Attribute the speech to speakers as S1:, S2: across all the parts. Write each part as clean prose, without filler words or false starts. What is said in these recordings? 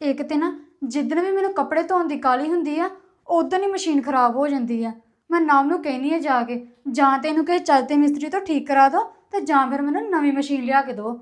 S1: ਇੱਕ ਤੇ ਨਾ ਜਿੱਦਣ ਵੀ ਮੈਨੂੰ ਕੱਪੜੇ ਧੋਣ ਦੀ ਕਾਹਲੀ ਹੁੰਦੀ ਆ ਉਦੋਂ ਹੀ ਮਸ਼ੀਨ ਖਰਾਬ ਹੋ ਜਾਂਦੀ ਆ। ਮੈਂ ਨਾਮ ਨੂੰ ਕਹਿੰਦੀ ਆ ਜਾ ਕੇ, ਜਾਂ ਤੇ ਇਹਨੂੰ ਕਿਸੇ ਚੱਜ ਦੇ ਮਿਸਤਰੀ ਤੋਂ ਠੀਕ ਕਰਾ ਦਿਓ ਤੇ ਜਾਂ ਫਿਰ ਮੈਨੂੰ ਨਵੀਂ ਮਸ਼ੀਨ ਲਿਆ ਕੇ ਦਿਓ।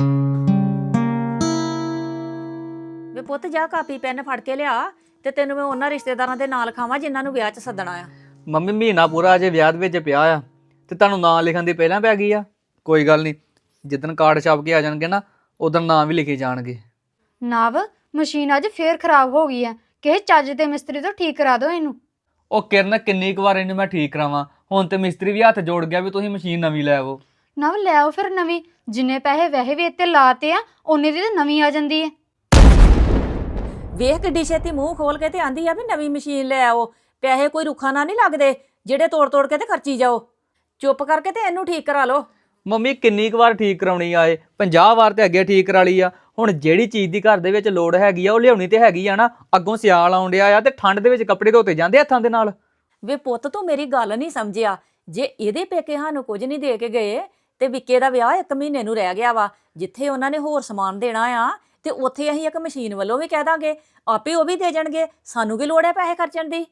S2: ਵੇ ਪੁੱਤ ਜਾ ਕਾਪੀ ਪੈਨ ਫੜ ਕੇ ਲਿਆ ਤੇ ਤੈਨੂੰ ਮੈਂ ਉਹਨਾਂ ਰਿਸ਼ਤੇਦਾਰਾਂ ਦੇ ਨਾਲ ਖਾਵਾਂ ਜਿਨ੍ਹਾਂ ਨੂੰ ਵਿਆਹ 'ਚ ਸੱਦਣਾ ਆ।
S3: ਮੰਮੀ ਮਹੀਨਾ ਪੂਰਾ ਅਜੇ ਵਿਆਹ ਦੇ ਵਿੱਚ ਪਿਆ ਆ ਤੇ ਤੁਹਾਨੂੰ ਨਾਂ ਲਿਖਣ ਦੀ ਪਹਿਲਾਂ ਪੈ ਗਈ ਆ। ਕੋਈ ਗੱਲ ਨਹੀਂ, ਜਿੱਦਣ ਕਾਰਡ ਛਾਪ ਕੇ ਆ ਜਾਣਗੇ ਨਾ ਉਦੋਂ ਨਾਂ ਵੀ ਲਿਖੇ ਜਾਣਗੇ।
S1: ਨਵ, ਮਸ਼ੀਨ ਅੱਜ ਫੇਰ ਖਰਾਬ ਹੋ ਗਈ ਆ, ਕਿਸੇ ਚੱਜ ਦੇ ਮਿਸਤਰੀ ਤੋਂ ਠੀਕ ਕਰਾ ਦਿਓ ਇਹਨੂੰ।
S3: ਉਹ ਕਿਰਨ ਕਿੰਨੀ ਕੁ ਵਾਰ ਇਹਨੂੰ ਮੈਂ ਠੀਕ ਕਰਾਵਾਂ, ਹੁਣ ਤੇ ਮਿਸਤਰੀ ਵੀ ਹੱਥ ਜੋੜ ਗਿਆ ਵੀ ਤੁਸੀਂ ਮਸ਼ੀਨ ਨਵੀਂ ਲੈ ਆਵੋ।
S1: ਨਵ ਲੈ ਆਓ ਫਿਰ ਨਵੀਂ, ਜਿੰਨੇ ਪੈਸੇ ਵੈਸੇ ਵੀ ਇੱਥੇ ਲਾਤੇ ਆ ਓਨੇ ਦੀ ਤਾਂ ਨਵੀਂ ਆ ਜਾਂਦੀ ਹੈ।
S2: ਵੇਖ ਕਿੱਡੀ ਛੇਤੀ ਮੂੰਹ ਖੋਲ ਕੇ ਤੇ ਆਂਦੀ ਆ ਵੀ ਨਵੀਂ ਮਸ਼ੀਨ ਲੈ ਆਓ। ਪੈਸੇ ਕੋਈ ਰੁੱਖਾ ਨਾ ਨਹੀਂ ਲੱਗਦੇ ਜਿਹੜੇ ਤੋੜ ਤੋੜ ਕੇ ਤੇ ਖਰਚੀ ਜਾਓ। ਚੁੱਪ ਕਰਕੇ ਤੇ ਇਹਨੂੰ ਠੀਕ ਕਰਾ ਲਓ।
S3: ਮੰਮੀ ਕਿੰਨੀ ਕੁ ਵਾਰ ਠੀਕ ਕਰਾਉਣੀ ਆਏ, 50 ਵਾਰ ਤੇ ਅੱਗੇ ਠੀਕ ਕਰਾ ਲਈ ਆ। ਹੁਣ ਜਿਹੜੀ ਚੀਜ਼ ਦੀ ਘਰ ਦੇ ਵਿੱਚ ਲੋੜ ਹੈਗੀ ਆ ਉਹ ਲਿਆਉਣੀ ਤੇ ਹੈਗੀ ਆ ਨਾ। ਅੱਗੋਂ ਸਿਆਲ ਆਉਣ ਡਿਆ ਆ ਤੇ ਠੰਡ ਦੇ ਵਿੱਚ ਕੱਪੜੇ ਧੋਤੇ ਜਾਂਦੇ ਹੱਥਾਂ ਦੇ ਨਾਲ।
S2: ਵੇ ਪੁੱਤ ਤੂੰ ਮੇਰੀ ਗੱਲ ਨਹੀਂ ਸਮਝਿਆ। ਜੇ ਇਹਦੇ ਪੇਕੇ ਸਾਨੂੰ ਕੁਝ ਨਹੀਂ ਦੇ ਕੇ ਗਏ ਤੇ ਵਿੱਕੇ ਦਾ ਵਿਆਹ 1 ਮਹੀਨੇ ਨੂੰ ਰਹਿ ਗਿਆ ਵਾ। ਜਿੱਥੇ ਉਹਨਾਂ ਨੇ ਹੋਰ ਸਮਾਨ ਦੇਣਾ ਆ ਤੇ ਉੱਥੇ ਅਸੀਂ ਇੱਕ ਮਸ਼ੀਨ ਵੱਲੋਂ ਵੀ ਕਹਿ ਦਾਂਗੇ, ਆਪੇ ਉਹ ਵੀ ਦੇ ਜਾਣਗੇ। ਸਾਨੂੰ ਕੀ ਲੋੜ ਹੈ ਪੈਸੇ ਖਰਚਣ ਦੀ।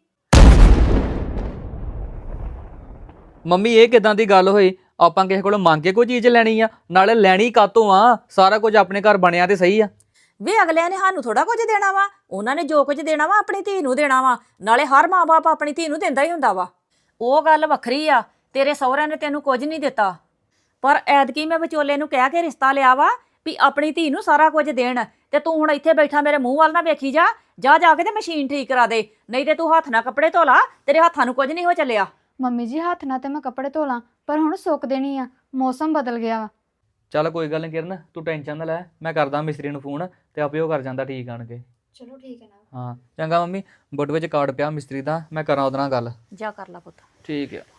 S3: ਮੰਮੀ ਇਹ ਕਿਦਾਂ ਦੀ ਗੱਲ ਹੋਈ? ਆਪਾਂ ਕਿਸੇ ਕੋਲੋਂ ਮੰਗ ਕੇ ਕੋਈ ਚੀਜ਼ ਲੈਣੀ ਆ? ਨਾਲੇ ਲੈਣੀ ਕਾਤੋਂ ਆ? ਸਾਰਾ ਕੁਝ ਆਪਣੇ ਘਰ ਬਣਿਆ ਤੇ ਸਹੀ ਆ।
S2: ਵੇ ਅਗਲਿਆਂ ਨੇ ਸਾਨੂੰ ਥੋੜਾ ਕੁਝ ਦੇਣਾ ਵਾ। ਉਹਨਾਂ ਨੇ ਜੋ ਕੁਝ ਦੇਣਾ ਵਾ ਆਪਣੀ ਧੀ ਨੂੰ ਦੇਣਾ ਵਾ। ਨਾਲੇ ਹਰ ਮਾਂ-ਬਾਪ ਆਪਣੀ ਧੀ ਨੂੰ ਦਿੰਦਾ ਹੀ ਹੁੰਦਾ ਵਾ। ਉਹ ਗੱਲ ਵੱਖਰੀ ਆ, ਤੇਰੇ ਸਹੁਰਿਆਂ ਨੇ ਤੈਨੂੰ ਕੁਝ ਨਹੀਂ ਦਿੱਤਾ। ਪਰ ਐਤਕੀ ਮੈਂ ਵਿਚੋਲੇ ਨੂੰ ਕਹਿ ਕੇ ਰਿਸ਼ਤਾ ਲਿਆ ਵਾ ਵੀ ਆਪਣੀ ਧੀ ਨੂੰ ਸਾਰਾ ਕੁਝ ਦੇਣ। ਤੇ ਤੂੰ ਹੁਣ ਇੱਥੇ ਬੈਠਾ ਮੇਰੇ ਮੂੰਹ ਵੱਲ ਨਾ ਵੇਖੀ ਜਾ। ਜਾ ਕੇ ਤੇ ਮਸ਼ੀਨ ਠੀਕ ਕਰਾ ਦੇ, ਨਹੀਂ ਤੇ ਤੂੰ ਹੱਥ ਨਾਲ ਕੱਪੜੇ ਧੋ ਲਾ। ਤੇਰੇ ਹੱਥਾਂ ਨੂੰ ਕੁਝ ਨਹੀਂ ਹੋ ਚੱਲਿਆ।
S1: ਮੰਮੀ ਜੀ ਹੱਥ ਨਾਲ ਤੇ ਮੈਂ ਕੱਪੜੇ ਧੋ ਲਾਂ, ਪਰ ਹੁਣ ਸੁੱਕ ਦੇਣੀ ਆ, ਮੌਸਮ ਬਦਲ ਗਿਆ ਵਾ।
S3: ਚੱਲ ਕੋਈ ਗੱਲ ਨਹੀਂ ਕਿਰਨ, ਤੂੰ ਟੈਨਸ਼ਨ ਨਾ ਲੈ। ਮੈਂ ਕਰਦਾ ਮਿਸਤਰੀ ਨੂੰ ਫੋਨ ਤੇ ਆਪੇ ਉਹ ਕਰ ਜਾਂਦਾ ਠੀਕ ਆਣ ਕੇ।
S1: ਚਲੋ ਠੀਕ ਹੈ ਨਾ।
S3: ਹਾਂ ਚੰਗਾ ਮੰਮੀ, ਬੁੱਟ ਵਿੱਚ ਕਾਰਡ ਪਿਆ ਮਿਸਤਰੀ ਦਾ, ਮੈਂ ਕਰਾਂ ਉਹਦੇ ਨਾਲ ਗੱਲ।
S2: ਜਾ ਕਰ ਲਾ ਪੁੱਤ।
S3: ਠੀਕ ਆ।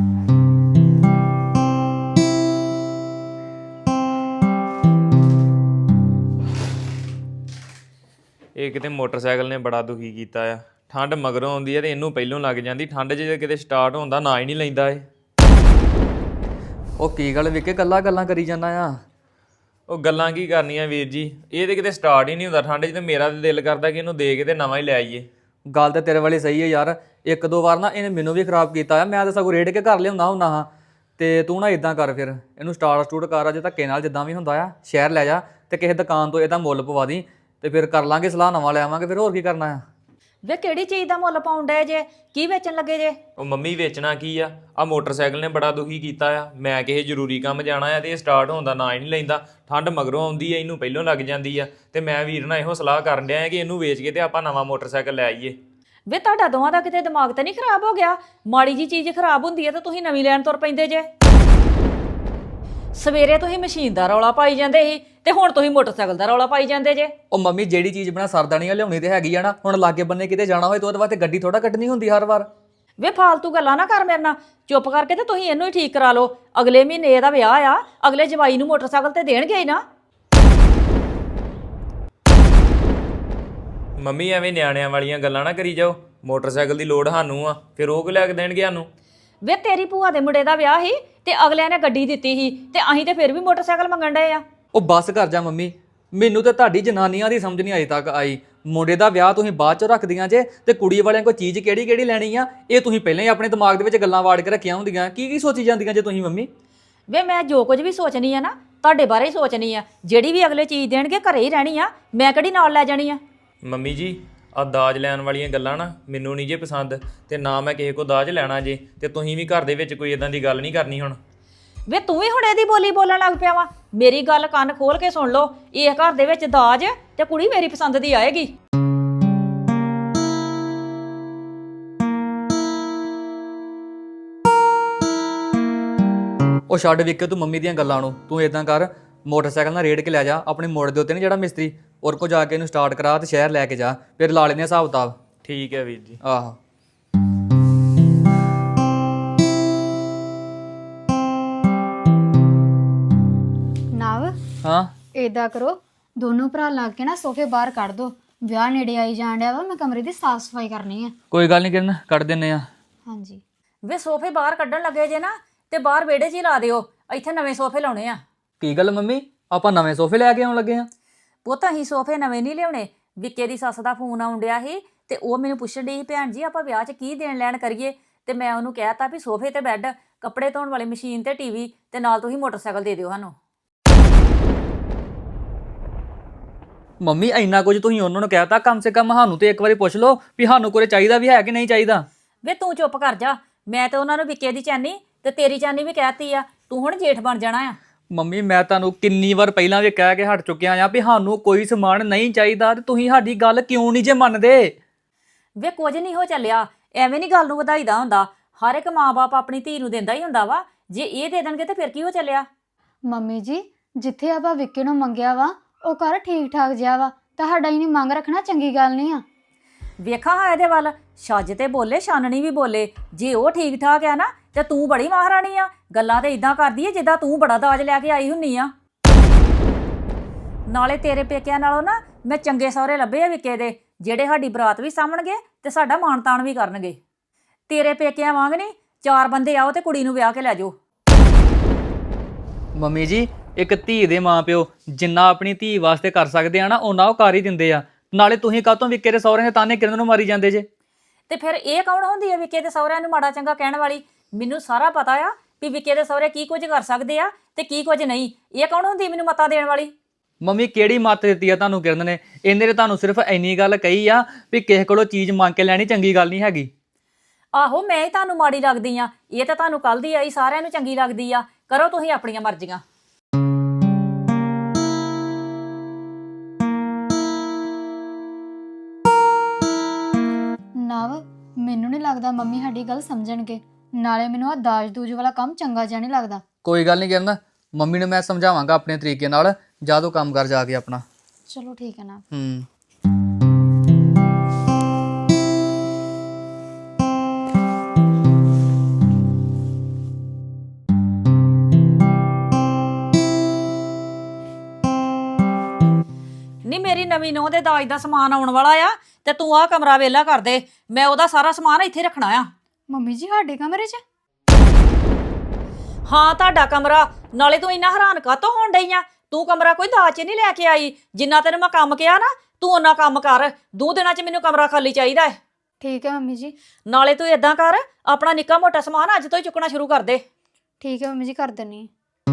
S4: ਇਹ ਕਿਤੇ ਮੋਟਰਸਾਈਕਲ ਨੇ ਬੜਾ ਦੁਖੀ ਕੀਤਾ ਆ। ਠੰਡ ਮਗਰੋਂ ਆਉਂਦੀ ਹੈ ਤੇ ਇਹਨੂੰ ਪਹਿਲੋਂ ਲੱਗ ਜਾਂਦੀ। ਠੰਡ 'ਚ ਜੇ ਕਿਤੇ ਸਟਾਰਟ ਹੁੰਦਾ ਨਾ ਹੀ ਨਹੀਂ ਲੈਂਦਾ ਇਹ।
S3: ਉਹ ਕੀ ਗੱਲ ਵਿਕੇ ਗੱਲਾਂ ਕਰੀ ਜਾਂਦਾ ਆ?
S4: ਉਹ ਗੱਲਾਂ ਕੀ ਕਰਨੀਆਂ ਵੀਰ ਜੀ, ਇਹ ਤੇ ਕਿਤੇ ਸਟਾਰਟ ਹੀ ਨਹੀਂ ਹੁੰਦਾ ਠੰਡ 'ਚ। ਤੇ ਮੇਰਾ ਤੇ ਦਿਲ ਕਰਦਾ ਕਿ ਇਹਨੂੰ ਦੇ ਕੇ ਤੇ ਨਵਾਂ ਹੀ ਲੈ ਆਈਏ।
S3: ਗੱਲ ਤਾਂ ਤੇਰੇ ਵਾਲੀ ਸਹੀ ਹੈ ਯਾਰ। 1-2 ਵਾਰ ਨਾ ਇਹਨੇ ਮੈਨੂੰ ਵੀ ਖਰਾਬ ਕੀਤਾ ਆ। ਮੈਂ ਤਾਂ ਸਗੋਂ ਰੇੜ ਕੇ ਘਰ ਲਿਆਉਂਦਾ ਹੁੰਦਾ ਹਾਂ। ਤੇ ਤੂੰ ਨਾ ਇਦਾਂ ਕਰ, ਫਿਰ ਇਹਨੂੰ ਸਟੂਟ ਕਰ ਅਜੇ ਧੱਕੇ ਨਾਲ, ਜਿੱਦਾਂ ਵੀ ਹੁੰਦਾ ਆ। ਸ਼ਹਿਰ ਲੈ ਜਾ ਤੇ ਕਿਸੇ ਦੁਕਾਨ ਤੋਂ ਇਹਦਾ ਮੁੱਲ ਪਵਾ ਦੀ ਤੇ ਫਿਰ ਕਰ ਲਾਂਗੇ ਸਲਾਹ, ਨਵਾਂ ਲੈ ਆਵਾਂਗੇ। ਫਿਰ ਹੋਰ ਕੀ ਕਰਨਾ ਆ?
S2: ਵੇ ਕਿਹੜੀ ਚੀਜ਼ ਦਾ ਮੁੱਲ ਪਾਉਣ ਡਏ ਜੇ? ਕੀ ਵੇਚਣ ਲੱਗੇ ਜੇ?
S4: ਉਹ ਮੰਮੀ ਵੇਚਣਾ ਕੀ ਆ? ਆ ਮੋਟਰਸਾਈਕਲ ਨੇ ਬੜਾ ਦੁਖੀ ਕੀਤਾ ਆ। ਮੈਂ ਕਿਸੇ ਜ਼ਰੂਰੀ ਕੰਮ ਜਾਣਾ ਆ ਤੇ ਇਹ ਸਟਾਰਟ ਹੋਣ ਦਾ ਨਾਂ ਹੀ ਨਹੀਂ ਲੈਂਦਾ। ਠੰਡ ਮਗਰੋਂ ਆਉਂਦੀ ਆ, ਇਹਨੂੰ ਪਹਿਲੋਂ ਲੱਗ ਜਾਂਦੀ ਆ। ਤੇ ਮੈਂ ਵੀਰ ਨਾਲ ਇਹੋ ਸਲਾਹ ਕਰਨ ਡਿਆ ਕਿ ਇਹਨੂੰ ਵੇਚ ਕੇ ਤੇ ਆਪਾਂ ਨਵਾਂ ਮੋਟਰਸਾਈਕਲ ਲੈ ਆਈਏ।
S2: ਵੇ ਤੁਹਾਡਾ ਦੋਵਾਂ ਦਾ ਕਿਤੇ ਦਿਮਾਗ ਤਾਂ ਨਹੀਂ ਖਰਾਬ ਹੋ ਗਿਆ? ਮਾੜੀ ਜੀ ਚੀਜ਼ ਖਰਾਬ ਹੁੰਦੀ ਹੈ ਤਾਂ ਤੁਸੀਂ ਨਵੀਂ ਲੈਣ ਤੁਰ ਪੈਂਦੇ ਜੇ। ਸਵੇਰੇ ਤੁਸੀਂ ਮਸ਼ੀਨ ਦਾ ਰੌਲਾ ਪਾਈ ਜਾਂਦੇ ਸੀ ਤੇ ਹੁਣ ਤੁਸੀਂ ਮੋਟਰਸਾਈਕਲ ਦਾ ਰੌਲਾ ਪਾਈ ਜਾਂਦੇ ਜੇ।
S3: ਉਹ ਮੰਮੀ ਜਿਹੜੀ ਚੀਜ਼ ਬਣਾ ਸਰਦਾ ਨਹੀਂ ਆ, ਲਿਆਉਣੀ ਤੇ ਹੈਗੀ ਆ ਨਾ। ਹੁਣ ਲਾਗੇ ਬੰਨੇ ਕਿਤੇ ਜਾਣਾ ਹੋਏ ਤਾਂ ਉਹਦੇ ਵਾਸਤੇ ਗੱਡੀ ਥੋੜਾ ਕੱਢਣੀ ਹੁੰਦੀ ਹਰ ਵਾਰ।
S2: ਵੇ ਫਾਲਤੂ ਗੱਲਾਂ ਨਾ ਕਰ ਮੇਰੇ ਨਾਲ। ਚੁੱਪ ਕਰਕੇ ਤੇ ਤੁਸੀਂ ਇਹਨੂੰ ਹੀ ਠੀਕ ਕਰਾ ਲਓ। ਅਗਲੇ ਮਹੀਨੇ ਇਹਦਾ ਵਿਆਹ ਆ, ਅਗਲੇ ਜਵਾਈ ਨੂੰ ਮੋਟਰਸਾਈਕਲ ਤੇ ਦੇਣਗੇ ਹੀ ਨਾ।
S4: ਮੰਮੀ ਐਵੇਂ ਨਿਆਣਿਆਂ ਵਾਲੀਆਂ ਗੱਲਾਂ ਨਾ ਕਰੀ ਜਾਓ। ਮੋਟਰਸਾਈਕਲ ਦੀ ਲੋੜ ਸਾਨੂੰ ਆ, ਫਿਰ ਉਹ ਲੈ ਕੇ ਦੇਣਗੇ ਸਾਨੂੰ।
S2: ਵੇ ਤੇਰੀ ਭੂਆ ਦੇ ਮੁੰਡੇ ਦਾ ਵਿਆਹ ਸੀ ਤੇ ਅਗਲਿਆਂ ਨੇ ਗੱਡੀ ਦਿੱਤੀ ਸੀ ਤੇ ਅਸੀਂ ਤੇ ਫਿਰ ਵੀ ਮੋਟਰਸਾਈਕਲ ਮੰਗਣ ਡਏ ਆ।
S3: ਉਹ ਬੱਸ ਕਰ ਜਾ ਮੰਮੀ, ਮੈਨੂੰ ਤਾਂ ਤੁਹਾਡੀ ਜਨਾਨੀਆਂ ਦੀ ਸਮਝ ਨਹੀਂ ਅਜੇ ਤੱਕ ਆਈ। ਮੁੰਡੇ ਦਾ ਵਿਆਹ ਤੁਸੀਂ ਬਾਅਦ ਚੋਂ ਰੱਖਦੀਆਂ ਜੇ ਤੇ ਕੁੜੀ ਵਾਲਿਆਂ ਕੋਈ ਚੀਜ਼ ਕਿਹੜੀ ਲੈਣੀ ਆ ਇਹ ਤੁਸੀਂ ਪਹਿਲਾਂ ਹੀ ਆਪਣੇ ਦਿਮਾਗ ਦੇ ਵਿੱਚ ਗੱਲਾਂ ਵਾੜ ਕੇ ਰੱਖੀਆਂ ਹੁੰਦੀਆਂ। ਕੀ ਸੋਚੀ ਜਾਂਦੀਆਂ ਜੇ ਤੁਸੀਂ ਮੰਮੀ?
S2: ਵੇ ਮੈਂ ਜੋ ਕੁਝ ਵੀ ਸੋਚਣੀ ਆ ਨਾ ਤੁਹਾਡੇ ਬਾਰੇ ਹੀ ਸੋਚਣੀ ਆ। ਜਿਹੜੀ ਵੀ ਅਗਲੇ ਚੀਜ਼ ਦੇਣਗੇ ਘਰੇ ਹੀ ਰਹਿਣੀ ਆ, ਮੈਂ ਕਿਹੜੀ ਨਾਲ ਲੈ ਜਾਣੀ ਆ।
S4: ਮੰਮੀ ਜੀ ਆ ਦਾਜ ਲੈਣ ਵਾਲੀਆਂ ਗੱਲਾਂ ਨਾ ਮੈਨੂੰ ਨਹੀਂ ਜੇ ਪਸੰਦ, ਤੇ ਨਾ ਮੈਂ ਕਿਸੇ ਕੋ ਦਾਜ ਲੈਣਾ ਜੇ। ਤੇ ਤੁਸੀਂ ਵੀ ਘਰ ਦੇ ਵਿੱਚ ਕੋਈ ਇਦਾਂ ਦੀ ਗੱਲ ਨਹੀਂ ਕਰਨੀ ਹੁਣ।
S2: ਵੇ ਤੂੰ ਵੀ ਹੁਣ ਇਹਦੀ ਬੋਲੀ ਬੋਲਣ ਲੱਗ ਪਿਆ ਵਾ। ਮੇਰੀ ਗੱਲ ਕੰਨ ਖੋਲ ਕੇ ਸੁਣ ਲਓ। ਇਹ ਘਰ ਦੇ ਵਿੱਚ ਦਾਜ ਤੇ ਕੁੜੀ ਮੇਰੀ ਪਸੰਦ ਦੀ ਆਏਗੀ।
S3: ਉਹ ਛੱਡ ਵਿਕੇ ਤੂੰ ਮੰਮੀ ਦੀਆਂ ਗੱਲਾਂ ਨੂੰ। ਤੂੰ ਇਦਾਂ ਕਰ, ਮੋਟਰਸਾਈਕਲ ਨਾਲ ਰੇੜ ਕੇ ਲੈ ਜਾ ਆਪਣੇ ਮੋੜ ਦੇ ਉੱਤੇ, ਨਹੀਂ ਜਿਹੜਾ ਮਿਸਤਰੀ ਔਰ ਕੋ ਜਾ ਕੇ ਇਹਨੂੰ ਸਟਾਰਟ ਕਰਾ ਤੇ ਸ਼ਹਿਰ ਲੈ ਕੇ ਜਾ। ਫਿਰ ਲਾ ਲੈਂਦੇ ਹਿਸਾਬ ਕਿਤਾਬ।
S4: ਠੀਕ ਹੈ ਵੀਰ ਜੀ।
S3: ਆਹੋ
S1: ਨਵ,
S3: ਹਾਂ
S1: ਏਦਾਂ ਕਰੋ, ਦੋਨੋਂ ਭਰਾ ਲੱਗ ਕੇ ਨਾ ਸੋਫੇ ਬਾਹਰ ਕੱਢ ਦੋ। ਵਿਆਹ ਨੇੜੇ ਆਈ ਜਾਣ ਡਿਆ ਵਾ, ਮੈਂ ਕਮਰੇ ਦੀ ਸਾਫ਼ ਸਫਾਈ ਕਰਨੀ ਆ।
S3: ਕੋਈ ਗੱਲ ਨਹੀਂ ਕਿਰਨ, ਕੱਢ ਦਿੰਨੇ ਆ।
S1: ਹਾਂਜੀ।
S2: ਵੇ ਸੋਫੇ ਬਾਹਰ ਕੱਢਣ ਲੱਗੇ ਜੇ ਨਾ ਤੇ ਬਾਹਰ ਵਿਹੜੇ 'ਚ ਹੀ ਲਾ ਦਿਓ। ਇੱਥੇ ਨਵੇਂ ਸੋਫੇ ਲਾਉਣੇ ਆ।
S3: ਕੀ ਗੱਲ ਮੰਮੀ, ਆਪਾਂ ਨਵੇਂ ਸੋਫੇ ਲੈ ਕੇ ਆਉਣ ਲੱਗੇ ਆ?
S2: ਪੁੱਤ ਅਸੀਂ ਸੋਫੇ ਨਵੇਂ ਨਹੀਂ ਲਿਆਉਣੇ, ਵਿੱਕੇ ਦੀ ਸੱਸ ਦਾ ਫੋਨ ਆਉਣ ਡਿਆ ਸੀ ਤੇ ਉਹ ਮੈਨੂੰ ਪੁੱਛਣ ਡਈ ਸੀ, ਭੈਣ ਜੀ ਆਪਾਂ ਵਿਆਹ 'ਚ ਕੀ ਦੇਣ ਲੈਣ ਕਰੀਏ? ਤੇ ਮੈਂ ਉਹਨੂੰ ਕਹਿਤਾ ਵੀ ਸੋਫੇ ਤੇ ਬੈੱਡ, ਕੱਪੜੇ ਧੋਣ ਵਾਲੀ ਮਸ਼ੀਨ ਤੇ ਟੀਵੀ, ਤੇ ਨਾਲ ਤੁਸੀਂ ਮੋਟਰਸਾਈਕਲ ਦੇ ਦਿਓ ਸਾਨੂੰ।
S3: ਮੰਮੀ ਇੰਨਾ ਕੁਝ ਤੁਸੀਂ ਉਹਨਾਂ ਨੂੰ ਕਹਿਤਾ, ਕਮ ਸੇ ਕਮ ਸਾਨੂੰ ਤੇ ਇੱਕ ਵਾਰੀ ਪੁੱਛ ਲਓ ਵੀ ਸਾਨੂੰ ਕੋਈ ਚਾਹੀਦਾ ਵੀ ਹੈ ਕਿ ਨਹੀਂ ਚਾਹੀਦਾ।
S2: ਵੇ ਤੂੰ ਚੁੱਪ ਕਰ ਜਾ, ਮੈਂ ਤੇ ਉਹਨਾਂ ਨੂੰ ਵਿੱਕੇ ਦੀ ਚਾਨੀ ਤੇ ਤੇਰੀ ਚਾਨੀ ਵੀ ਕਹਿਤੀ ਆ, ਤੂੰ ਹੁਣ ਜੇਠ ਬਣ ਜਾਣਾ ਆ।
S3: ਮੰਮੀ ਮੈਂ ਤੁਹਾਨੂੰ ਕਿੰਨੀ ਵਾਰ ਪਹਿਲਾਂ ਵੀ ਕਹਿ ਕੇ ਹਟ ਚੁੱਕਿਆ ਆ ਵੀ ਸਾਨੂੰ ਕੋਈ ਸਮਾਨ ਨਹੀਂ ਚਾਹੀਦਾ, ਤੇ ਤੁਸੀਂ ਸਾਡੀ ਗੱਲ ਕਿਉਂ ਨਹੀਂ ਜੇ ਮੰਨਦੇ?
S2: ਵੇ ਕੁਝ ਨਹੀਂ ਹੋ ਚੱਲਿਆ, ਐਵੇਂ ਨਹੀਂ ਗੱਲ ਨੂੰ ਵਧਾਈਦਾ ਹੁੰਦਾ। ਹਰ ਇੱਕ ਮਾਂ-ਬਾਪ ਆਪਣੀ ਧੀ ਨੂੰ ਦਿੰਦਾ ਹੀ ਹੁੰਦਾ ਵਾ, ਜੇ ਇਹ ਦੇ ਦੇਣਗੇ ਤੇ ਫਿਰ ਕੀ ਹੋ ਚੱਲਿਆ?
S1: ਮੰਮੀ ਜੀ, ਜਿੱਥੇ ਆਪਾਂ ਵਿੱਕੇ ਨੂੰ ਮੰਗਿਆ ਵਾ ਉਹ ਘਰ ਠੀਕ ਠਾਕ ਜਿਹਾ ਵਾ, ਤੁਹਾਡਾ ਹੀ ਨਹੀਂ ਮੰਗ ਰੱਖਣਾ ਚੰਗੀ ਗੱਲ ਨਹੀਂ ਆ।
S2: ਵੇਖਾਂ ਹਾਂ ਇਹਦੇ ਵੱਲ, ਛੱਜ ਤੇ ਬੋਲੇ ਛਾਨਣੀ ਵੀ ਬੋਲੇ। ਜੇ ਉਹ ਠੀਕ ਠਾਕ ਆ ਨਾ ਤੇ ਤੂੰ ਬੜੀ ਮਹਾਰਾਣੀ ਆ, ਗੱਲਾਂ ਤੇ ਇਦਾਂ ਕਰਦੀ ਏ ਜਿੱਦਾਂ ਤੂੰ ਬੜਾ ਦਾਜ ਲੈ ਕੇ ਆਈ ਹੁੰਨੀ ਆ। ਨਾਲੇ ਤੇਰੇ ਪੇਕਿਆਂ ਨਾਲੋਂ ਨਾ ਮੈਂ ਚੰਗੇ ਸਹੁਰੇ ਲੱਭੇ ਆ ਵਿੱਕੇ ਦੇ, ਜਿਹੜੇ ਸਾਡੀ ਬਰਾਤ ਵੀ ਸਾਂਭਣਗੇ ਤੇ ਸਾਡਾ ਮਾਣ ਤਾਣ ਵੀ ਕਰਨਗੇ। ਤੇਰੇ ਪੇਕਿਆਂ ਵਾਂਗ ਨਹੀਂ, 4 ਬੰਦੇ ਆਓ ਤੇ ਕੁੜੀ ਨੂੰ ਵਿਆਹ ਕੇ ਲੈ ਜਾਓ।
S3: ਮੰਮੀ ਜੀ, ਇੱਕ ਧੀ ਦੇ ਮਾਪਿਓ ਜਿੰਨਾ ਆਪਣੀ ਧੀ ਵਾਸਤੇ ਕਰ ਸਕਦੇ ਆ ਨਾ, ਉਹਨਾਂ ਉਹ ਕਰ ਹੀ ਦਿੰਦੇ ਆ। ਨਾਲੇ ਤੁਸੀਂ ਕਾਹਤੋਂ ਵਿੱਕੇ ਦੇ ਸਹੁਰੇ ਦੇ ਤਾਨੇ ਕਿਰਨ ਨੂੰ ਮਾਰੀ ਜਾਂਦੇ ਜੇ?
S2: ਤੇ ਫਿਰ ਇਹ ਕੌਣ ਹੁੰਦੀ ਹੈ ਵਿੱਕੇ ਦੇ ਸਹੁਰਿਆਂ ਨੂੰ ਮਾੜਾ ਚੰਗਾ ਕਹਿਣ ਵਾਲੀ? ਮੈਨੂੰ ਸਾਰਾ ਪਤਾ ਆ ਵੀ ਵਿੱਕੇ ਦੇ ਸਹੁਰੇ ਕੀ ਕੁਝ ਕਰ ਸਕਦੇ ਆ ਤੇ ਕੀ ਕੁਝ ਨਹੀਂ। ਇਹ ਕੌਣ ਹੁੰਦੀ ਮੈਨੂੰ ਮੱਤਾਂ ਦੇਣ ਵਾਲੀ?
S3: ਮੰਮੀ ਕਿਹੜੀ ਮੱਤ ਦਿੱਤੀ ਆ ਤੁਹਾਨੂੰ ਕਿਰਨ ਨੇ? ਇਹਨੇ ਤੇ ਤੁਹਾਨੂੰ ਸਿਰਫ ਇੰਨੀ ਗੱਲ ਕਹੀ ਆ ਵੀ ਕਿਸੇ ਕੋਲੋਂ ਚੀਜ਼ ਮੰਗ ਕੇ ਲੈਣੀ ਚੰਗੀ ਗੱਲ ਨਹੀਂ ਹੈਗੀ।
S2: ਆਹੋ, ਮੈਂ ਹੀ ਤੁਹਾਨੂੰ ਮਾੜੀ ਲੱਗਦੀ ਆ? ਇਹ ਤਾਂ ਤੁਹਾਨੂੰ ਕੱਲ ਦੀ ਆਈ ਸਾਰਿਆਂ ਨੂੰ ਚੰਗੀ ਲੱਗਦੀ ਆ। ਕਰੋ ਤੁਸੀਂ ਆਪਣੀਆਂ ਮਰਜ਼ੀਆਂ।
S1: ਨਵ, ਮੈਨੂੰ ਨਹੀਂ ਲੱਗਦਾ ਮੰਮੀ ਸਾਡੀ ਗੱਲ ਸਮਝਣਗੇ। ਨਾਲੇ ਮੈਨੂੰ ਆ ਦਾਜ ਦੂਜ ਵਾਲਾ ਕੰਮ ਚੰਗਾ ਜਿਹਾ ਨਹੀਂ ਲੱਗਦਾ।
S3: ਕੋਈ ਗੱਲ ਨਹੀਂ ਕਿਰਨ, ਮੰਮੀ ਨੂੰ ਮੈਂ ਸਮਝਾਵਾਂਗਾ ਆਪਣੇ ਤਰੀਕੇ ਨਾਲ। ਜਾ ਤੂੰ ਕੰਮ ਕਰ ਜਾ ਕੇ ਆਪਣਾ।
S1: ਚਲੋ ਠੀਕ ਹੈ ਨਾ।
S2: ਨਹੀਂ, ਮੇਰੀ ਨਵੀਂ ਨੂੰਹ ਦੇ ਦਾਜ ਦਾ ਸਮਾਨ ਆਉਣ ਵਾਲਾ ਆ ਤੇ ਤੂੰ ਆਹ ਕਮਰਾ ਵਿਹਲਾ ਕਰ ਦੇ। ਮੈਂ ਉਹਦਾ ਸਾਰਾ ਸਮਾਨ ਇੱਥੇ ਰੱਖਣਾ ਆ।
S1: ਮੰਮੀ ਜੀ, ਸਾਡੇ ਕਮਰੇ 'ਚ?
S2: ਹਾਂ, ਤੁਹਾਡਾ ਕਮਰਾ। ਨਾਲੇ ਤੂੰ ਇੰਨਾ ਹੈਰਾਨ ਕਾਹਤੋਂ ਹੋਣ ਡਈ ਆ? ਤੂੰ ਕਮਰਾ ਕੋਈ ਦਾਜ 'ਚ ਨਹੀਂ ਲੈ ਕੇ ਆਈ। ਜਿੰਨਾ ਤੈਨੂੰ ਮੈਂ ਕੰਮ ਕਿਹਾ ਨਾ, ਤੂੰ ਓਨਾ ਕੰਮ ਕਰ। 2 ਦਿਨਾਂ 'ਚ ਮੈਨੂੰ ਕਮਰਾ ਖਾਲੀ ਚਾਹੀਦਾ ਹੈ।
S1: ਠੀਕ ਹੈ ਮੰਮੀ ਜੀ।
S2: ਨਾਲੇ ਤੂੰ ਏਦਾਂ ਕਰ, ਆਪਣਾ ਨਿੱਕਾ ਮੋਟਾ ਸਮਾਨ ਅੱਜ ਤੋਂ ਹੀ ਚੁੱਕਣਾ ਸ਼ੁਰੂ ਕਰ ਦੇ।
S1: ਠੀਕ ਹੈ ਮੰਮੀ ਜੀ, ਕਰ ਦਿੰਨੀ।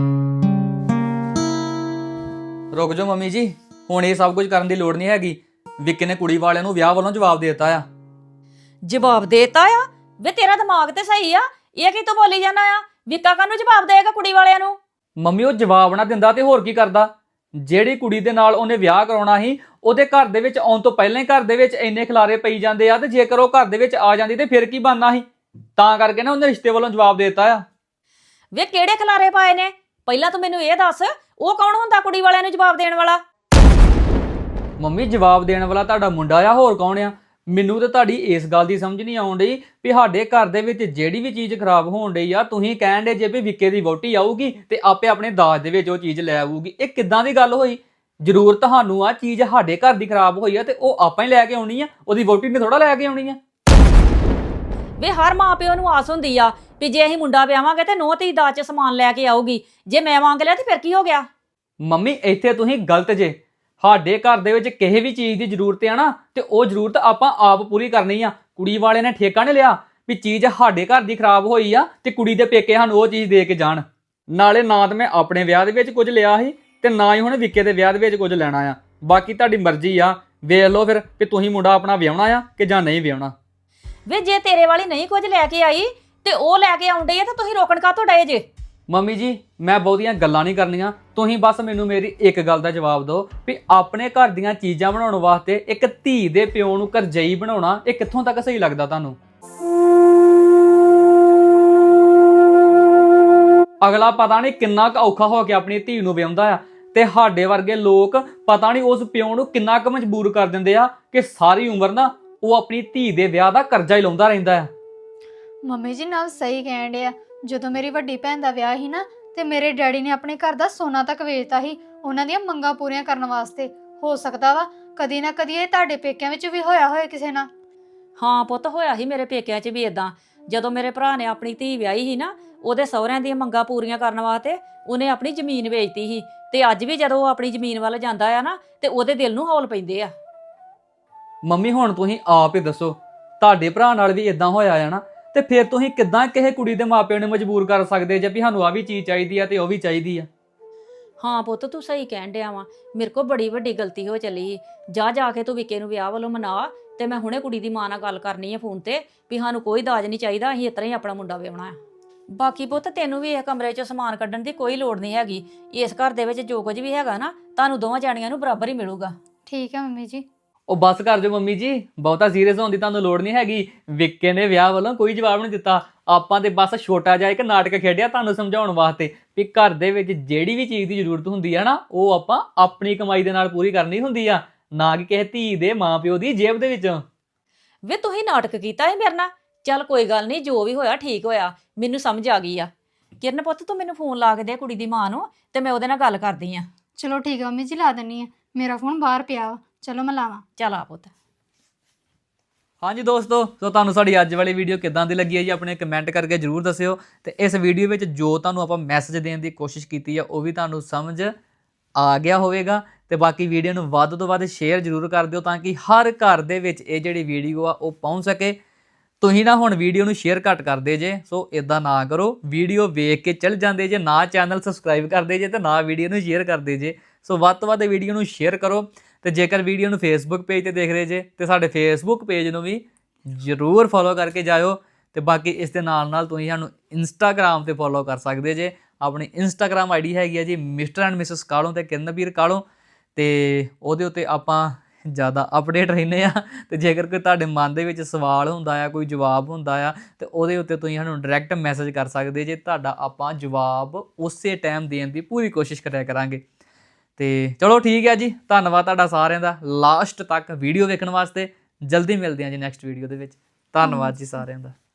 S3: ਰੁਕ ਜਾਓ ਮੰਮੀ ਜੀ, ਹੁਣ ਇਹ ਸਭ ਕੁਝ ਕਰਨ ਦੀ ਲੋੜ ਨਹੀਂ ਹੈਗੀ। ਵਿੱਕੀ ਨੇ ਕੁੜੀ ਵਾਲਿਆਂ ਨੂੰ ਵਿਆਹ ਵੱਲੋਂ ਜਵਾਬ ਦੇ ਦਿੱਤਾ ਆ।
S2: ਜਵਾਬ ਦੇਤਾ ਆ? ਵੇ ਤੇਰਾ ਦਿਮਾਗ ਤੇ ਸਹੀ ਆ, ਇਹ ਕੀ ਤੂੰ ਬੋਲੀ ਜਾਂਦਾ ਆ? ਵਿੱਕਾ ਕਾਹਨੂੰ ਜਵਾਬ ਦੇਗਾ ਕੁੜੀ ਵਾਲਿਆਂ ਨੂੰ?
S3: ਮੰਮੀ ਉਹ ਜਵਾਬ ਨਾ ਦਿੰਦਾ ਤੇ ਹੋਰ ਕੀ ਕਰਦਾ? ਜਿਹੜੀ ਕੁੜੀ ਦੇ ਨਾਲ ਉਹਨੇ ਵਿਆਹ ਕਰਾਉਣਾ ਸੀ, ਉਹਦੇ ਘਰ ਦੇ ਵਿੱਚ ਆਉਣ ਤੋਂ ਪਹਿਲਾਂ ਹੀ ਘਰ ਦੇ ਵਿੱਚ ਇੰਨੇ ਖਿਲਾਰੇ ਪਈ ਜਾਂਦੇ ਆ, ਤੇ ਜੇਕਰ ਉਹ ਘਰ ਦੇ ਵਿੱਚ ਆ ਜਾਂਦੀ ਤੇ ਫਿਰ ਕੀ ਬਣਨਾ ਸੀ? ਤਾਂ ਕਰਕੇ ਨਾ ਉਹਨੇ ਰਿਸ਼ਤੇ ਵੱਲੋਂ ਜਵਾਬ ਦੇ ਦਿੱਤਾ ਆ।
S2: ਵੇ ਕਿਹੜੇ ਖਿਲਾਰੇ ਪਾਏ ਨੇ? ਪਹਿਲਾਂ ਤੂੰ ਮੈਨੂੰ ਇਹ ਦੱਸ, ਉਹ ਕੌਣ ਹੁੰਦਾ ਕੁੜੀ ਵਾਲਿਆਂ ਨੂੰ ਜਵਾਬ ਦੇਣ ਵਾਲਾ?
S3: ਮੰਮੀ ਜਵਾਬ ਦੇਣ ਵਾਲਾ ਤੁਹਾਡਾ ਮੁੰਡਾ ਆ, ਹੋਰ ਕੌਣ ਆ? ਮੈਨੂੰ ਤੇ ਤੁਹਾਡੀ ਇਸ ਗੱਲ ਦੀ ਸਮਝ ਨਹੀਂ ਆਉਣ ਡਈ ਵੀ ਸਾਡੇ ਘਰ ਦੇ ਵਿੱਚ ਜਿਹੜੀ ਵੀ ਚੀਜ਼ ਖਰਾਬ ਹੋਣ ਡਈ ਆ, ਤੁਸੀਂ ਕਹਿਣ ਦੇ ਜੇ ਵੀ ਵਿੱਕੇ ਦੀ ਵਹੁਟੀ ਆਊਗੀ ਤੇ ਆਪੇ ਆਪਣੇ ਦਾਜ ਦੇ ਵਿੱਚ ਉਹ ਚੀਜ਼ ਲੈ ਆਊਗੀ। ਇਹ ਕਿੱਦਾਂ ਦੀ ਗੱਲ ਹੋਈ? ਜ਼ਰੂਰ ਤੁਹਾਨੂੰ ਆ ਚੀਜ਼ ਸਾਡੇ ਘਰ ਦੀ ਖਰਾਬ ਹੋਈ ਆ ਤੇ ਉਹ ਆਪਾਂ ਹੀ ਲੈ ਕੇ ਆਉਣੀ ਆ, ਉਹਦੀ ਵਹੁਟੀ ਨੇ ਥੋੜਾ ਲੈ ਕੇ ਆਉਣੀ ਆ।
S2: ਵੇ ਹਰ ਮਾਂ ਪਿਓ ਨੂੰ ਆਸ ਹੁੰਦੀ ਆ ਵੀ ਜੇ ਅਸੀਂ ਮੁੰਡਾ ਵਿਆਹਾਂਗੇ ਤੇ ਨੂੰਹ ਧੀ ਦਾਜ 'ਚ ਸਮਾਨ ਲੈ ਕੇ ਆਊਗੀ। ਜੇ ਮੈਂ ਮੰਗ ਲਿਆ ਤੇ ਫਿਰ ਕੀ ਹੋ ਗਿਆ?
S3: ਮੰਮੀ ਇੱਥੇ ਤੁਸੀਂ ਗਲਤ ਜੇ। ਸਾਡੇ ਘਰ ਦੇ ਵਿੱਚ ਕਿਸੇ ਵੀ ਚੀਜ਼ ਦੀ ਜ਼ਰੂਰਤ ਆ ਨਾ, ਤੇ ਉਹ ਜ਼ਰੂਰਤ ਆਪਾਂ ਆਪ ਪੂਰੀ ਕਰਨੀ ਆ। ਕੁੜੀ ਵਾਲੇ ਨੇ ਠੇਕਾ ਨਹੀਂ ਲਿਆ ਵੀ ਚੀਜ਼ ਸਾਡੇ ਘਰ ਦੀ ਖਰਾਬ ਹੋਈ ਆ ਤੇ ਕੁੜੀ ਦੇ ਪੇਕੇ ਸਾਨੂੰ ਉਹ ਚੀਜ਼ ਦੇ ਕੇ ਜਾਣ। ਨਾਲੇ ਨਾ ਤਾਂ ਮੈਂ ਆਪਣੇ ਵਿਆਹ ਦੇ ਵਿੱਚ ਕੁਝ ਲਿਆ ਸੀ ਤੇ ਨਾ ਹੀ ਹੁਣ ਵਿੱਕੇ ਦੇ ਵਿਆਹ ਦੇ ਵਿੱਚ ਕੁਝ ਲੈਣਾ ਆ। ਬਾਕੀ ਤੁਹਾਡੀ ਮਰਜ਼ੀ ਆ, ਵੇਖ ਲਓ ਫਿਰ ਵੀ ਤੁਸੀਂ ਮੁੰਡਾ ਆਪਣਾ ਵਿਆਹਣਾ ਆ ਕਿ ਜਾਂ ਨਹੀਂ ਵਿਆਹਣਾ।
S2: ਵੇ ਜੇ ਤੇਰੇ ਵਾਲੀ ਨਹੀਂ ਕੁਝ ਲੈ ਕੇ ਆਈ ਤੇ ਉਹ ਲੈ ਕੇ ਆਉਂਦੇ ਆ ਤਾਂ ਤੁਸੀਂ ਰੋਕਣ ਕਾਹਤੋਂ ਡਏ ਜੇ?
S3: ਮੰਮੀ ਜੀ, ਮੈਂ ਬਹੁਤੀਆਂ ਗੱਲਾਂ ਨਹੀਂ ਕਰਨੀਆਂ, ਤੁਸੀਂ ਬਸ ਮੈਨੂੰ ਮੇਰੀ ਇੱਕ ਗੱਲ ਦਾ ਜਵਾਬ ਦਿਓ ਵੀ ਆਪਣੇ ਘਰ ਦੀਆਂ ਚੀਜ਼ਾਂ ਬਣਾਉਣ ਵਾਸਤੇ ਇੱਕ ਧੀ ਦੇ ਪਿਓ ਨੂੰ ਕਰਜਈ ਬਣਾਉਣਾ ਇਹ ਕਿੱਥੋਂ ਤੱਕ ਸਹੀ ਲੱਗਦਾ ਤੁਹਾਨੂੰ? ਅਗਲਾ ਪਤਾ ਨਹੀਂ ਕਿੰਨਾ ਕੁ ਔਖਾ ਹੋ ਕੇ ਆਪਣੀ ਧੀ ਨੂੰ ਵਿਆਹੁੰਦਾ ਆ, ਤੇ ਸਾਡੇ ਵਰਗੇ ਲੋਕ ਪਤਾ ਨਹੀਂ ਉਸ ਪਿਓ ਨੂੰ ਕਿੰਨਾ ਕੁ ਮਜਬੂਰ ਕਰ ਦਿੰਦੇ ਆ ਕਿ ਸਾਰੀ ਉਮਰ ਨਾ ਉਹ ਆਪਣੀ ਧੀ ਦੇ ਵਿਆਹ ਦਾ ਕਰਜ਼ਾ ਹੀ ਲਾਉਂਦਾ ਰਹਿੰਦਾ ਆ।
S1: ਮੰਮੀ ਜੀ ਨਾਲ ਸਹੀ ਕਹਿਣ ਡਿਆ। ਜਦੋਂ ਮੇਰੀ ਵੱਡੀ ਭੈਣ ਦਾ ਵਿਆਹ ਸੀ ਨਾ, ਤੇ ਮੇਰੇ ਡੈਡੀ ਨੇ ਆਪਣੇ ਘਰ ਦਾ ਸੋਨਾ ਤੱਕ ਵੇਚਤਾ ਸੀ ਉਹਨਾਂ ਦੀਆਂ ਮੰਗਾਂ ਪੂਰੀਆਂ ਕਰਨ ਵਾਸਤੇ। ਹੋ ਸਕਦਾ ਵਾ ਕਦੀ ਨਾ ਕਦੀ ਇਹ ਤੁਹਾਡੇ ਪੇਕਿਆਂ ਵਿੱਚ ਵੀ ਹੋਇਆ ਹੋਏ ਕਿਸੇ ਨਾਲ।
S2: ਹਾਂ ਪੁੱਤ, ਹੋਇਆ ਸੀ ਮੇਰੇ ਪੇਕਿਆਂ 'ਚ ਵੀ ਇਦਾਂ। ਜਦੋਂ ਮੇਰੇ ਭਰਾ ਨੇ ਆਪਣੀ ਧੀ ਵਿਆਹੀ ਸੀ ਨਾ, ਉਹਦੇ ਸਹੁਰਿਆਂ ਦੀਆਂ ਮੰਗਾਂ ਪੂਰੀਆਂ ਕਰਨ ਵਾਸਤੇ ਉਹਨੇ ਆਪਣੀ ਜ਼ਮੀਨ ਵੇਚਤੀ ਸੀ। ਤੇ ਅੱਜ ਵੀ ਜਦੋਂ ਉਹ ਆਪਣੀ ਜ਼ਮੀਨ ਵੱਲ ਜਾਂਦਾ ਆ ਨਾ ਤੇ ਉਹਦੇ ਦਿਲ ਨੂੰ ਹੌਲ ਪੈਂਦੇ ਆ।
S3: ਮੰਮੀ ਹੁਣ ਤੁਸੀਂ ਆਪ ਹੀ ਦੱਸੋ, ਤੁਹਾਡੇ ਭਰਾ ਨਾਲ ਵੀ ਇਦਾਂ ਹੋਇਆ ਆ ਨਾ, ਤੇ ਫਿਰ ਤੁਸੀਂ ਕਿੱਦਾਂ ਕਿਸੇ ਕੁੜੀ ਦੇ ਮਾਪਿਆਂ ਨੂੰ ਮਜਬੂਰ ਕਰ ਸਕਦੇ ਜੇ ਵੀ ਸਾਨੂੰ ਆ ਵੀ ਚੀਜ਼ ਚਾਹੀਦੀ ਆ ਤੇ ਉਹ ਵੀ ਚਾਹੀਦੀ ਆ।
S2: ਹਾਂ ਪੁੱਤ ਤੂੰ ਸਹੀ ਕਹਿਣ ਡਿਆ ਵਾ, ਮੇਰੇ ਕੋਲ ਬੜੀ ਵੱਡੀ ਗਲਤੀ ਹੋ ਚੱਲੀ। ਜਾ ਕੇ ਤੂੰ ਵਿੱਕੇ ਨੂੰ ਵਿਆਹ ਵੱਲੋਂ ਮਨਾ, ਤੇ ਮੈਂ ਹੁਣੇ ਕੁੜੀ ਦੀ ਮਾਂ ਨਾਲ ਗੱਲ ਕਰਨੀ ਆ ਫੋਨ ਤੇ ਵੀ ਸਾਨੂੰ ਕੋਈ ਦਾਜ ਨਹੀਂ ਚਾਹੀਦਾ, ਅਸੀਂ ਇਸ ਤਰ੍ਹਾਂ ਹੀ ਆਪਣਾ ਮੁੰਡਾ ਵਿਆਹਣਾ ਆ। ਬਾਕੀ ਪੁੱਤ ਤੈਨੂੰ ਵੀ ਇਹ ਕਮਰੇ 'ਚੋਂ ਸਮਾਨ ਕੱਢਣ ਦੀ ਕੋਈ ਲੋੜ ਨਹੀਂ ਹੈਗੀ। ਇਸ ਘਰ ਦੇ ਵਿੱਚ ਜੋ ਕੁਝ ਵੀ ਹੈਗਾ ਨਾ, ਤੁਹਾਨੂੰ ਦੋਵਾਂ ਜਾਣੀਆਂ ਨੂੰ ਬਰਾਬਰ ਹੀ ਮਿਲੂਗਾ।
S1: ਠੀਕ ਹੈ ਮੰਮੀ ਜੀ।
S3: ਉਹ ਬੱਸ ਕਰ ਜੋ ਮੰਮੀ ਜੀ, ਬਹੁਤਾ ਸੀਰੀਅਸ ਹੋਣ ਦੀ ਤੁਹਾਨੂੰ ਲੋੜ ਨਹੀਂ ਹੈਗੀ। ਵਿੱਕੇ ਨੇ ਵਿਆਹ ਵੱਲੋਂ ਕੋਈ ਜਵਾਬ ਨਹੀਂ ਦਿੱਤਾ। ਆਪਾਂ ਤੇ ਬਸ ਛੋਟਾ ਜਿਹਾ ਇੱਕ ਨਾਟਕ ਖੇਡਿਆ ਤੁਹਾਨੂੰ ਸਮਝਾਉਣ ਵਾਸਤੇ ਵੀ ਘਰ ਦੇ ਵਿੱਚ ਜਿਹੜੀ ਵੀ ਚੀਜ਼ ਦੀ ਜ਼ਰੂਰਤ ਹੁੰਦੀ ਆ ਨਾ, ਉਹ ਆਪਾਂ ਆਪਣੀ ਕਮਾਈ ਦੇ ਨਾਲ ਪੂਰੀ ਕਰਨੀ ਹੁੰਦੀ ਆ, ਨਾ ਕਿ ਕਿਸੇ ਧੀ ਦੇ ਮਾਪਿਓ ਦੀ ਜੇਬ ਦੇ ਵਿੱਚੋਂ।
S2: ਵੇ ਤੁਸੀਂ ਨਾਟਕ ਕੀਤਾ ਹੈ ਮੇਰੇ ਨਾਲ। ਚੱਲ ਕੋਈ ਗੱਲ ਨਹੀਂ, ਜੋ ਵੀ ਹੋਇਆ ਠੀਕ ਹੋਇਆ, ਮੈਨੂੰ ਸਮਝ ਆ ਗਈ ਆ। ਕਿਰਨ ਪੁੱਤ ਤੂੰ ਮੈਨੂੰ ਫੋਨ ਲਾ ਕੇ ਦੇ ਕੁੜੀ ਦੀ ਮਾਂ ਨੂੰ, ਤੇ ਮੈਂ ਉਹਦੇ ਨਾਲ ਗੱਲ ਕਰਦੀ ਆ।
S1: ਚਲੋ ਠੀਕ ਆ ਮੰਮੀ ਜੀ, ਲਾ ਦਿੰਨੀ ਆ। ਮੇਰਾ ਫੋਨ ਬਾਹਰ ਪਿਆ ਵਾ, ਚਲੋ ਮੈਂ ਲਾਵਾਂ।
S2: ਚੱਲ ਆ ਪੁੱਤ।
S3: ਹਾਂਜੀ ਦੋਸਤੋ, ਸੋ ਤੁਹਾਨੂੰ ਸਾਡੀ ਅੱਜ ਵਾਲੀ ਵੀਡੀਓ ਕਿੱਦਾਂ ਦੀ ਲੱਗੀ ਹੈ ਜੀ, ਆਪਣੇ ਕਮੈਂਟ ਕਰਕੇ ਜਰੂਰ ਦੱਸਿਓ। ਤੇ ਇਸ ਵੀਡੀਓ ਵਿੱਚ ਜੋ ਤੁਹਾਨੂੰ ਆਪਾਂ ਮੈਸੇਜ ਦੇਣ ਦੀ ਕੋਸ਼ਿਸ਼ ਕੀਤੀ ਆ, ਉਹ ਵੀ ਤੁਹਾਨੂੰ ਸਮਝ ਆ ਗਿਆ ਹੋਵੇਗਾ। ਤੇ ਬਾਕੀ ਵੀਡੀਓ ਨੂੰ ਵੱਧ ਤੋਂ ਵੱਧ ਸ਼ੇਅਰ ਜਰੂਰ ਕਰ ਦਿਓ, ਤਾਂ ਕਿ ਹਰ ਘਰ ਦੇ ਵਿੱਚ ਇਹ ਜਿਹੜੀ ਵੀਡੀਓ ਆ ਉਹ ਪਹੁੰਚ ਸਕੇ। ਤੁਸੀਂ ਨਾ ਹੁਣ ਵੀਡੀਓ ਨੂੰ ਸ਼ੇਅਰ ਘੱਟ ਕਰਦੇ ਜੇ, ਸੋ ਇਦਾਂ ਨਾ ਕਰੋ। ਵੀਡੀਓ ਵੇਖ ਕੇ ਚੱਲ ਜਾਂਦੇ ਜੇ, ਨਾ ਚੈਨਲ ਸਬਸਕ੍ਰਾਈਬ ਕਰਦੇ ਜੇ ਤੇ ਨਾ ਵੀਡੀਓ ਨੂੰ ਸ਼ੇਅਰ ਕਰਦੇ ਜੇ। ਸੋ ਵੱਧ ਤੋਂ ਵੱਧ ਵੀਡੀਓ ਨੂੰ ਸ਼ੇਅਰ ਕਰੋ। ਤੇ ਜੇਕਰ ਵੀਡੀਓ ਨੂੰ ਫੇਸਬੁੱਕ ਪੇਜ ਤੇ ਦੇਖ ਰਹੇ ਜੇ, ਤੇ ਸਾਡੇ ਫੇਸਬੁੱਕ ਪੇਜ ਨੂੰ ਵੀ ਜ਼ਰੂਰ ਫੋਲੋ ਕਰਕੇ ਜਾਇਓ। ਤੇ ਬਾਕੀ ਇਸ ਦੇ ਨਾਲ ਨਾਲ ਤੁਸੀਂ ਸਾਨੂੰ ਇੰਸਟਾਗ੍ਰਾਮ ਤੇ ਫੋਲੋ ਕਰ ਸਕਦੇ ਜੇ। ਆਪਣੀ ਇੰਸਟਾਗ੍ਰਾਮ ਆਈਡੀ ਹੈਗੀ ਆ ਜੀ ਮਿਸਟਰ ਐਂਡ ਮਿਸਿਸ ਕਾਲੋਂ ਤੇ ਕਿਰਨਵੀਰ ਕਾਲੋਂ, ਤੇ ਉਹਦੇ ਉੱਤੇ ਆਪਾਂ ਜ਼ਿਆਦਾ ਅਪਡੇਟ ਰਹਿੰਦੇ ਆ। ਤੇ ਜੇਕਰ ਕੋਈ ਤੁਹਾਡੇ ਮਨ ਦੇ ਵਿੱਚ ਸਵਾਲ ਹੁੰਦਾ ਆ, ਕੋਈ ਜਵਾਬ ਹੁੰਦਾ ਆ, ਤੇ ਉਹਦੇ ਉੱਤੇ ਤੁਸੀਂ ਸਾਨੂੰ ਡਾਇਰੈਕਟ ਮੈਸੇਜ ਕਰ ਸਕਦੇ ਜੇ। ਤੁਹਾਡਾ ਆਪਾਂ ਜਵਾਬ ਉਸੇ ਟਾਈਮ ਦੇਣ ਦੀ ਪੂਰੀ ਕੋਸ਼ਿਸ਼ ਕਰਿਆ ਕਰਾਂਗੇ। ਤੇ ਚਲੋ ਠੀਕ ਹੈ ਜੀ, ਧੰਨਵਾਦ ਤੁਹਾਡਾ ਸਾਰਿਆਂ ਦਾ ਲਾਸਟ ਤੱਕ ਵੀਡੀਓ ਵੇਖਣ ਵਾਸਤੇ। ਜਲਦੀ ਮਿਲਦੇ ਹਾਂ ਜੀ ਨੈਕਸਟ ਵੀਡੀਓ ਦੇ ਵਿੱਚ। ਧੰਨਵਾਦ ਜੀ ਸਾਰਿਆਂ ਦਾ।